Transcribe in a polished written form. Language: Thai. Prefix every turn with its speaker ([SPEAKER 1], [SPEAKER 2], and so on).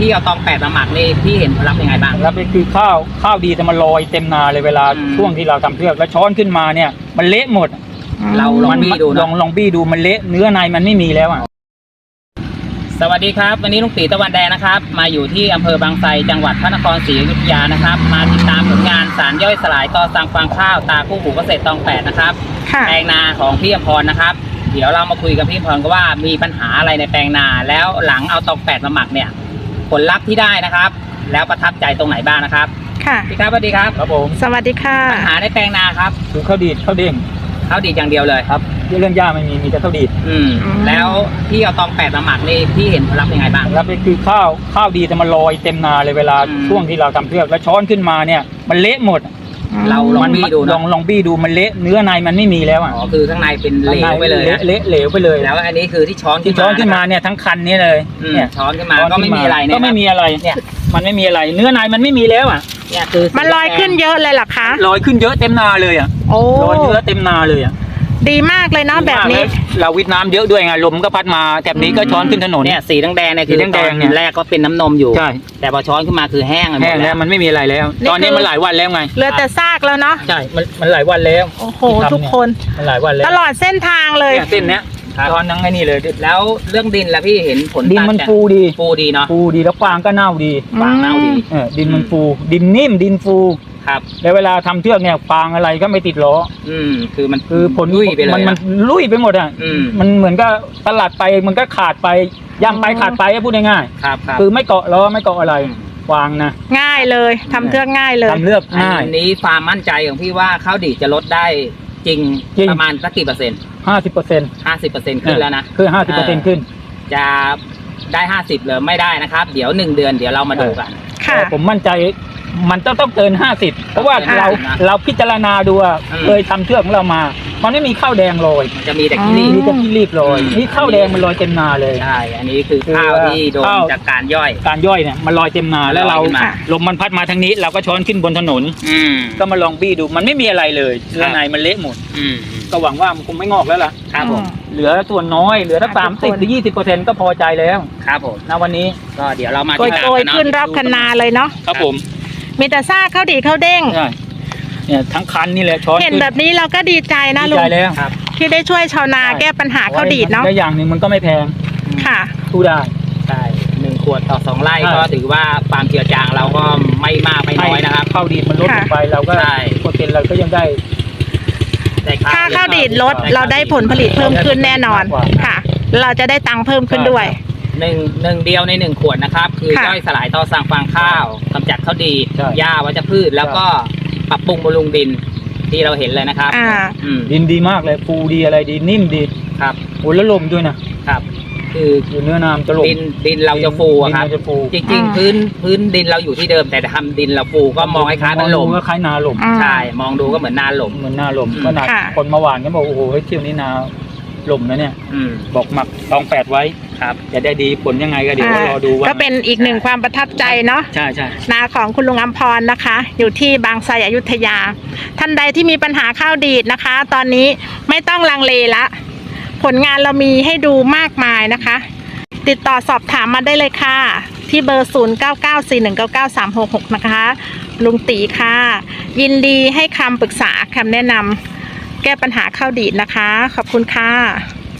[SPEAKER 1] พี่เอาตองแปดมาหมักนี่พี่เห็นผลลัพธ์ยังไงบ้าง
[SPEAKER 2] แล้วเป็นคือข้าวดีแต่มันลอยเต็มนาเลยเวลาช่วงที่เราทำเทือกแล้วช้อนขึ้นมาเนี่ยมันเละหมด
[SPEAKER 1] เราลองบี้ดูนะ
[SPEAKER 2] ลองบี้ดูมันเละเนื้อในมันไม่มีแล้วอ่ะ
[SPEAKER 1] สวัสดีครับวันนี้ลุงตีตะวันแดงนะครับมาอยู่ที่อำเภอบางไทรจังหวัดพระนครศรีอยุธยานะครับมาติดตามผลงานสารย่อยสลายต่อสั่งฟางข้าวตาคู่หูเกษตรตองแปดนะครับแปลงนาของพี่อภรนะครับเดี๋ยวเรามาคุยกับพี่อภรกันว่ามีปัญหาอะไรในแปลงนาแล้วหลังเอาตองแปดมาหมักเนี่ยผลลัพธ์ที่ได้นะครับแล้วประทับใจตรงไหนบ้างนะครับ
[SPEAKER 3] ค่ะ
[SPEAKER 1] พี่ครับสวัสดีครับ
[SPEAKER 2] ครับผม
[SPEAKER 3] สวัสดีค่ะ
[SPEAKER 1] ปัญหาในแปลงนาครับ
[SPEAKER 2] คือข้าวดีดข้าวเด้ง
[SPEAKER 1] อย่างเดียวเลย
[SPEAKER 2] ครับเรื่องหญ้าไม่มีแต่ข้าวดีด
[SPEAKER 1] แล้วพี่เอาตองแปดมาหมักนี่พี่เห็นผลลัพธ์ยังไงบ้าง
[SPEAKER 2] แล้วเป็นคือข้าวดีแต่มันลอยเต็มนาเลยเวลาช่วงที่เราทำเทือกแล้วช้อนขึ้นมาเนี่ยมันเละหมด
[SPEAKER 1] เราลองบี้ดู
[SPEAKER 2] ลองบี้ดูมันเละเนื้อในมันไม่มีแล้วอ่ะ
[SPEAKER 1] คือข้างในเป็นเหลวไปเลย
[SPEAKER 2] เละเหลวไปเลย
[SPEAKER 1] แล้วอันนี้คือที่ช้อน
[SPEAKER 2] ขึ้นมาเนี่ยทั้งคันนี้เลย
[SPEAKER 1] เนี่ยช้อนขึ้นมาก็ไม่มีอะไรเนี่ย
[SPEAKER 2] ก็ไม่มีอะไรเนี่ยมันไม่มีอะไรเนื้อในมันไม่มีแล้วอ่ะ
[SPEAKER 1] เนี่ยคือ
[SPEAKER 3] มันลอยขึ้นเยอะเลยหรอคะ
[SPEAKER 2] ลอยขึ้นเยอะเต็มนาเลยอ่ะลอยเนื้อเต็มนาเลยอ่ะ
[SPEAKER 3] ดีมากเลยเนาะแบบนี้
[SPEAKER 2] เราวิทน้ำเยอะด้วยไงลมก็พัดมาแบบนี้ก็ช้อนขึ้นถนน
[SPEAKER 1] เนี่ยสีแดงเนี่ยคือตอนแรกก็เป็นน้ำนมอยู่
[SPEAKER 2] ใช่
[SPEAKER 1] แต่พอช้อนขึ้นมาคือแห้ง
[SPEAKER 2] แล้วมันไม่มีอะไรแล้วตอนนี้มันหลายวันแล้วไง
[SPEAKER 3] เหลือแต่ซากแล้วเนาะ
[SPEAKER 2] ใช่มันหลายวันแล้ว
[SPEAKER 3] โอ้โหทุกคน
[SPEAKER 2] มันหลายวันแล้ว
[SPEAKER 3] ตลอดเส้นทางเลย
[SPEAKER 2] เส้นเนี้ยช้อนทั้งไอ้นี่เลย
[SPEAKER 1] แล้วเรื่องดินล่ะพี่เห็นผล
[SPEAKER 2] ดินมันฟูดี
[SPEAKER 1] เนาะ
[SPEAKER 2] ฟูดีแล้วฟางก็เน่าดี
[SPEAKER 1] ฟางเน่าดี
[SPEAKER 2] ดินมันฟูดินนิ่มดินฟู
[SPEAKER 1] ครับ
[SPEAKER 2] แล้วเวลาทำเทือกเนี่ยฟางอะไรก็ไม่ติดล้อคือผล
[SPEAKER 1] ลุยไปเลย
[SPEAKER 2] มันลุยไปหมดอ่ะมันเหมือนก็ตลาดไปมันก็ขาดไปย่ำไปขาดไปพูดง่าย
[SPEAKER 1] ๆครับ
[SPEAKER 2] คือไม่เกาะล้อไม่เกาะอะไรฟางนะ
[SPEAKER 3] ง่ายเลยทำเทือกง่ายเลย
[SPEAKER 2] ทำเลือกง่าย
[SPEAKER 1] อันนี้ความมั่นใจของพี่ว่าข้าวดีจะลดได้จริงประมาณสักกี่เปอร์เซ็นต์50%ขึ้นแล้วนะ
[SPEAKER 2] คือ50%ขึ้น
[SPEAKER 1] จะได้50หรือไม่ได้นะครับเดี๋ยว1 เดือนเดี๋ยวเรามาดูกัน
[SPEAKER 2] ผมมั่นใจมันต้องเกิน50เพราะว่าเราพิจารณาดูเคยทำเทือกของเรามามันไม่มีข้าวแดงลอย
[SPEAKER 1] จะมีแต่ขี้
[SPEAKER 2] รีบลอยนี่ข้าวแดงมันลอยเต็มนาเลย
[SPEAKER 1] ใช่อันนี้คือข้าวที่โดนจากการย่อย
[SPEAKER 2] เนี่ยมันลอยเต็มนาแล้วเราลมมันพัดมาทางนี้เราก็ช้อนขึ้นบนถนนก็มาลองบี้ดูมันไม่มีอะไรเลยเนื้อในมันเละหมดก็หวังว่ามันคงไม่งอกแล้วล่ะ
[SPEAKER 1] ครับผม
[SPEAKER 2] เหลือส่วนน้อยเหลือสัก30 หรือ 20%ก็พอใจแล้ว
[SPEAKER 1] ครับผม
[SPEAKER 2] ณวันนี้
[SPEAKER 1] ก็เดี๋ยวเรามา
[SPEAKER 3] โกยขึ้นรอบคันนาเลยเนาะ
[SPEAKER 2] ครับผม
[SPEAKER 3] มีแต่ซากข้าวดีข้าวเด้ง
[SPEAKER 2] เนี่ยทั้งคันนี่แหละช้อน
[SPEAKER 3] เห็นแบบนี้เราก็ดีใจนะลุงที่ได้ช่วยชาวนาแก้ปัญหาข้าวดีเนาะ
[SPEAKER 2] และอย่างหนึ่งมันก็ไม่แพง
[SPEAKER 3] ค่ะ
[SPEAKER 2] สู้ได้
[SPEAKER 1] ใช่1 ขวดต่อ2 ไร่ก็ถือว่าความเจือจางเราก็ไม่มากไม่น้อยนะครับ
[SPEAKER 2] ข้าวดีมันลดลงไปเราก็เปอร์เซ็นต์เราก็ยังได้
[SPEAKER 3] ค่าข้าวดีลดเราได้ผลผลิตเพิ่มขึ้นแน่นอนค่ะเราจะได้ตังค์เพิ่มขึ้นด้วย
[SPEAKER 1] หนึ่งเดียวใน1 ขวดนะครับคือย่อยสลายต่อสั่งฟางข้าวกำจัดข้าวดีหญ้าวัชพืชแล้วก็ปรับปรุงบำรุงดินที่เราเห็นเลยนะครับ
[SPEAKER 2] ดินดีมากเลยฟูดีอะไรดีนิ่มดี
[SPEAKER 1] ครับ
[SPEAKER 2] โอ้แล้วลมด้วยนะครับคือเนื้อน้ำจะลม
[SPEAKER 1] ดินเราจะฟูครับจริงๆพื้นดินเราอยู่ที่เดิมแต่ทำดินเราฟูก็มองคล้ายๆเป็นลม
[SPEAKER 2] ก็คล้ายนาลม
[SPEAKER 1] ใช่มองดูก็เหมือนนาลม
[SPEAKER 2] ขนาดคนมาหวานก็บอกโอ้โหเที่ยวนี้นาลมนะเนี่ยบอกหมักตอง8ไว้
[SPEAKER 1] ครับ
[SPEAKER 2] จะได้ดีผลยังไงก็เดี๋ยวรอดูว่า
[SPEAKER 3] ก็เป็นอีกหนึ่งความประทับใจเนาะ
[SPEAKER 2] ใช่
[SPEAKER 3] นาของคุณลุงอัมพรนะคะอยู่ที่บางไทรอยุธยาท่านใดที่มีปัญหาข้าวดีดนะคะตอนนี้ไม่ต้องลังเลละผลงานเรามีให้ดูมากมายนะคะติดต่อสอบถามมาได้เลยค่ะที่เบอร์0994199366นะคะลุงตีค่ะยินดีให้คำปรึกษาคำแนะนำแก้ปัญหาข้าวดีดนะคะขอบคุณค่ะ